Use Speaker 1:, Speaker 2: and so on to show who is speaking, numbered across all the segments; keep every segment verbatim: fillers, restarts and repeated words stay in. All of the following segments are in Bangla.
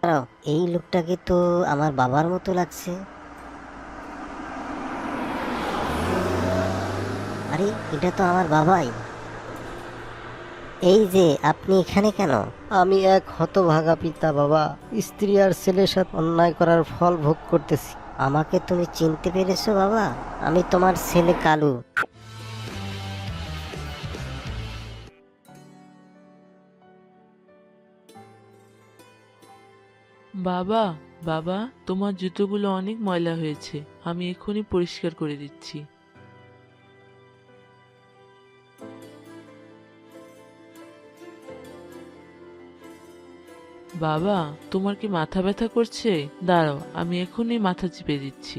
Speaker 1: দাঁড়াও, এই লোকটাকে তো আমার বাবার মতো লাগছে। আরে এটা তো আমার বাবাই। এই যে আপনি এখানে কেন?
Speaker 2: আমি এক হতভাগা পিতা বাবা, স্ত্রী আর ছেলের সাথে অন্যায় করার ফল ভোগ করতেছি।
Speaker 1: আমাকে তুমি চিনতে পেরেছো বাবা? আমি তোমার ছেলে কালু।
Speaker 3: বাবা, বাবা, তোমার জুতোগুলো অনেক ময়লা হয়েছে, আমি এক্ষুনি পরিষ্কার করে দিচ্ছি। বাবা, তোমার কি মাথা ব্যথা করছে? দাঁড়াও, আমি এক্ষুনি মাথা চিপে দিচ্ছি।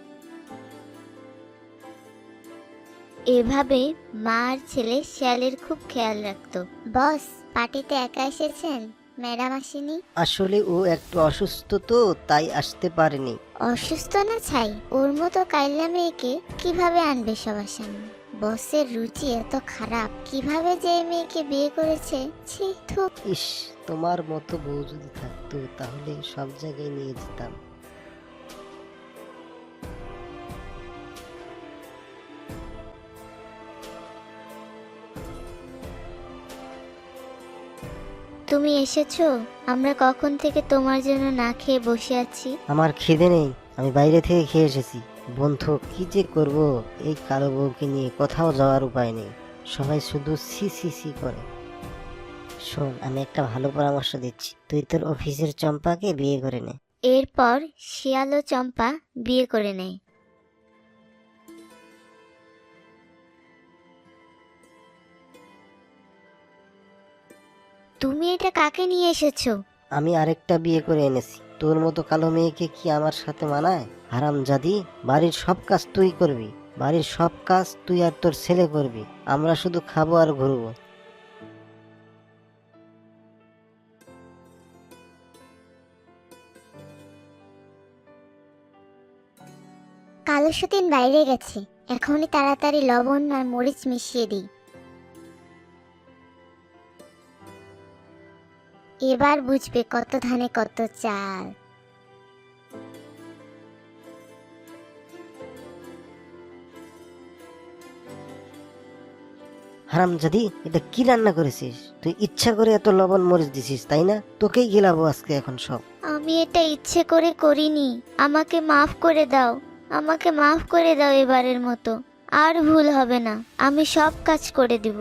Speaker 4: এভাবে মা আর ছেলে শিয়ালের খুব খেয়াল রাখতো। বস, পার্টিতে একা এসেছেন? ম্যাডাম আসেনি?
Speaker 2: আসলে ও একটু অসুস্থ তো, তাই আসতে পারেনি।
Speaker 4: অসুস্থ না ছাই, ওর মতো কাইল্লা মেয়েকে কিভাবে আনবে সবার সামনে? বসের রুচি এত খারাপ, কিভাবে যে এই মেয়েকে বিয়ে করেছে, ছি থু।
Speaker 2: ইস, তোমার মতো বউ যদি থাকতো তাহলে সব জায়গায় নিয়ে যেতাম।
Speaker 4: তুমি এসেছো? আমরা কখন থেকে তোমার জন্য না খেয়ে বসে আছি।
Speaker 2: আমার খিদে নেই, আমি বাইরে থেকে খেয়ে এসেছি। বন্ধু, কি যে করব, এই কালো বউকে নিয়ে কোথাও যাওয়ার উপায় নেই। সবাই শুধু সি সি সি করে।
Speaker 1: শোন, আমি একটা ভালো পরামর্শ দিচ্ছি, তুই তোর অফিসের চম্পাকে বিয়ে করে নে।
Speaker 4: এরপর শিয়াল ও চম্পা বিয়ে করে নেয়। তুমি এটা কাকে নিয়ে এসেছো?
Speaker 2: আমি আরেকটা বিয়ে করে এনেছি। তোর মতো কালো মেয়েকে কি আমার সাথে মানায়? হারামজাদি, বাড়ির সব কাজ তুই করবি, বাড়ির সব কাজ তুই আর তোর ছেলে করবি। আমরা শুধু খাবো আর ঘুরবো।
Speaker 4: কালো সতীন বাইরে গেছে, এখনই তাড়াতাড়ি লবণ আর মরিচ মিশিয়ে দিই। এবার বুঝবে কত ধানে কত চাল।
Speaker 2: হারামজাদি, এটা কি রান্না করেছিস তুই? ইচ্ছা করে এত লবণ মরিচ দিছিস তাই না? তোকেই গিলাবো আজকে এখন সব।
Speaker 4: আমি এটা ইচ্ছে করে করিনি, আমাকে মাফ করে দাও, আমাকে মাফ করে দাও এবারের মতো। আর ভুল হবে না, আমি সব কাজ করে দিব।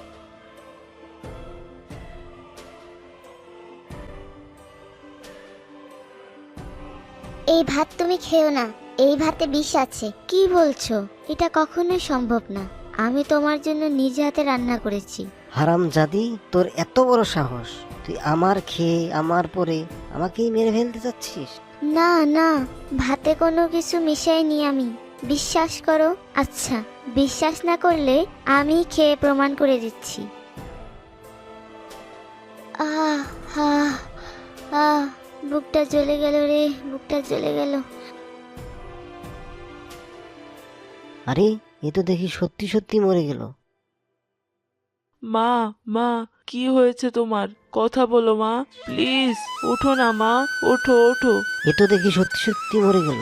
Speaker 4: এই ভাত তুমি খেও না, এই ভাতে বিষ আছে। কি বলছো? এটা কখনোই সম্ভব না, আমি তোমার জন্য নিজে হাতে রান্না করেছি।
Speaker 2: হারামজাদি, তোর এত বড় সাহস, তুই আমার খেয়ে আমার পরে আমাকেই মেরে ফেলতে চাচ্ছিস?
Speaker 4: না না, ভাতে কোনো কিছু মিশাইনি আমি, বিশ্বাস করো। আচ্ছা, বিশ্বাস না করলে আমি খেয়ে প্রমাণ করে দিচ্ছি। আহ আহ আহ বুকটা জ্বলে গেল রে, বুকটা জ্বলে গেল।
Speaker 2: আরে, এ তো দেখি সত্যি সত্যি মরে গেল।
Speaker 3: মা, মা, কি হয়েছে তোমার? কথা বলো মা, প্লিজ ওঠো না মা, ওঠো ওঠো।
Speaker 2: এ তো দেখি সত্যি সত্যি মরে গেল।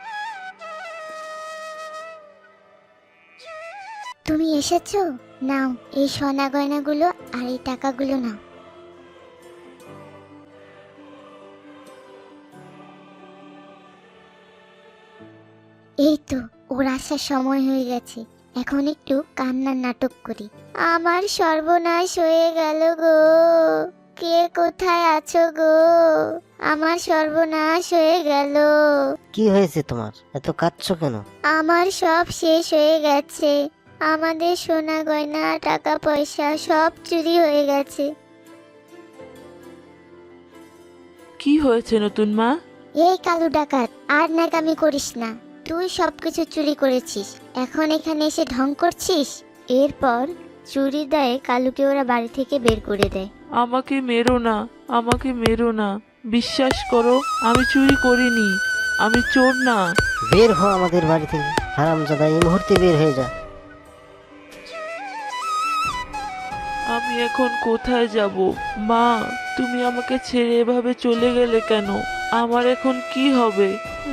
Speaker 4: তুমি এসেছো? নাও এই সোনা গয়নাগুলো আর এই টাকাগুলো নাও। এই তো, ওর আসার সময় হয়ে গেছে, এখন একটু কান্নার নাটক করি। আমার সর্বনাশ হয়ে গেল গো, কে কোথায় আছো গো? আমার সর্বনাশ হয়ে গেল।
Speaker 2: কি হয়েছে তোমার? এত কাঁদছো কেন?
Speaker 4: আমার সব শেষ হয়ে গেছে, আমাদের সোনা গয়না টাকা পয়সা সব চুরি হয়ে গেছে।
Speaker 3: কি হয়েছে নতুন মা?
Speaker 4: এই কালু ডাকাত, আর নাকামি করিস না, তুই সবকিছু চুরি করেছিস, এখন এখানে এসে ঢং করছিস। এরপর চুরির দায়ে কালুকে ওরা বাড়ি থেকে বের করে দেয়।
Speaker 3: আমাকে মেরো না, আমাকে মেরো না, বিশ্বাস করো আমি চুরি করিনি, আমি চোর না।
Speaker 2: বের হ আমাদের বাড়ি থেকে, হারামজাদা, এই মুহূর্তে বের হয়ে যা।
Speaker 3: আমি এখন কোথায় যাব? মা, তুমি আমাকে ছেড়ে এভাবে চলে গেলে কেন? আমার এখন কি হবে?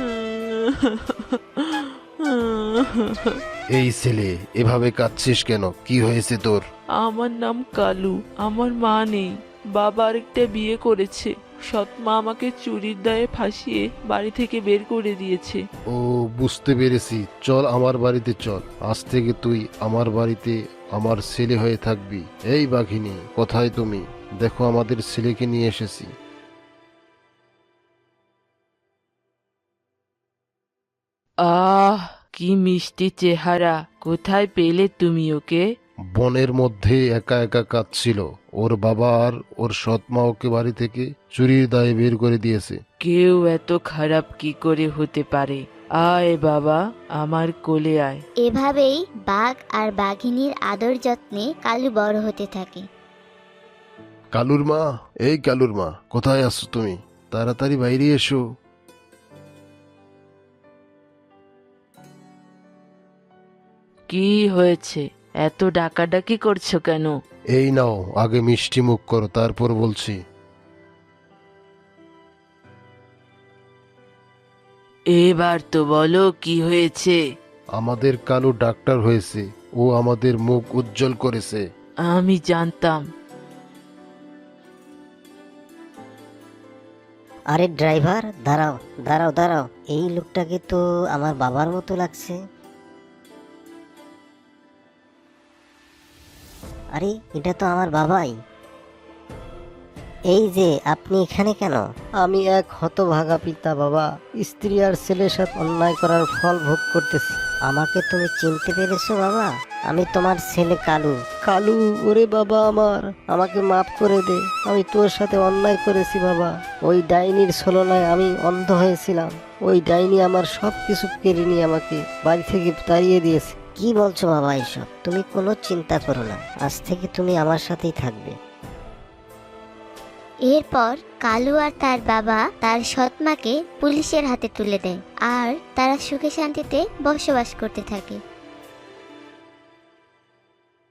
Speaker 5: এই ছেলে, এভাবে কাঁদছিস কেন? কি হয়েছে তোর?
Speaker 3: আমার নাম কালু। আমার মা নেই। বাবা আরেকটা বিয়ে করেছে। সৎ মা আমাকে চুরির দায়ে ফাঁসিয়ে বাড়ি থেকে বের করে দিয়েছে।
Speaker 5: ও, বুঝতে পেরেছি। চল আমার বাড়িতে চল। আজ থেকে তুই আমার বাড়িতে আমার ছেলে হয়ে থাকবি। এই বাঘিনী, কোথায় তুমি? দেখো, আমাদের ছেলেকে নিয়ে এসেছি।
Speaker 3: আহ, কি মিষ্টি চেহারা! কোথায় পেলে তুমি ওকে?
Speaker 5: বনের মধ্যে একা একা কাঁদছিল। ওর বাবা আর ওর সৎ মা ওকে বাড়ি থেকে চুরির দায়ে বের করে দিয়েছে।
Speaker 3: কেউ এত খারাপ কি করে হতে পারে? আয় বাবা, আমার কোলে আয়।
Speaker 4: এভাবেই বাঘ আর বাঘিনীর আদর যত্নে কালু বড় হতে থাকে।
Speaker 5: কালুর মা, এই কালুর মা, কোথায় আছো তুমি? তাড়াতাড়ি বাইরে এসো।
Speaker 3: কি হয়েছে? এত ডাকাডাকি করছো কেন?
Speaker 5: এই নাও, আগে মিষ্টি মুখ করো, তারপর বলছি।
Speaker 3: এবার তো বলো কি হয়েছে।
Speaker 5: আমাদের কালু ডাক্তার হয়েছে। ও আমাদের মুখ উজ্জ্বল করেছে।
Speaker 3: আমি জানতাম।
Speaker 1: আরে ড্রাইভার, দাঁড়াও দাঁড়াও দাঁড়াও, এই লোকটাকে তো আমার বাবার মতো লাগছে। আরে, এটা তো আমার বাবাই। এই যে, আপনি এখানে কেন?
Speaker 2: আমি এক হতভাগা পিতা বাবা, স্ত্রী আর ছেলের সাথে অন্যায় করার ফল ভোগ করতেছি।
Speaker 1: আমাকে তুমি চিনতে পেরেছো বাবা? আমি তোমার ছেলে কালু।
Speaker 2: কালু, ওরে বাবা আমার, আমাকে মাফ করে দে। আমি তোর সাথে অন্যায় করেছি বাবা। ওই ডাইনির ছলনায় আমি অন্ধ হয়েছিলাম। ওই ডাইনি আমার সব কিছু কেড়ে নিয়ে আমাকে বাড়ি থেকে তাড়িয়ে দিয়েছে।
Speaker 1: কি বলছো বাবা এসব? তুমি কোনো চিন্তা করো না, আজ থেকে তুমি আমার সাথেই থাকবে।
Speaker 4: এরপর কালু আর তার বাবা তার সৎমাকে পুলিশের হাতে তুলে দেয় আর তারা সুখে শান্তিতে বসবাস করতে থাকে।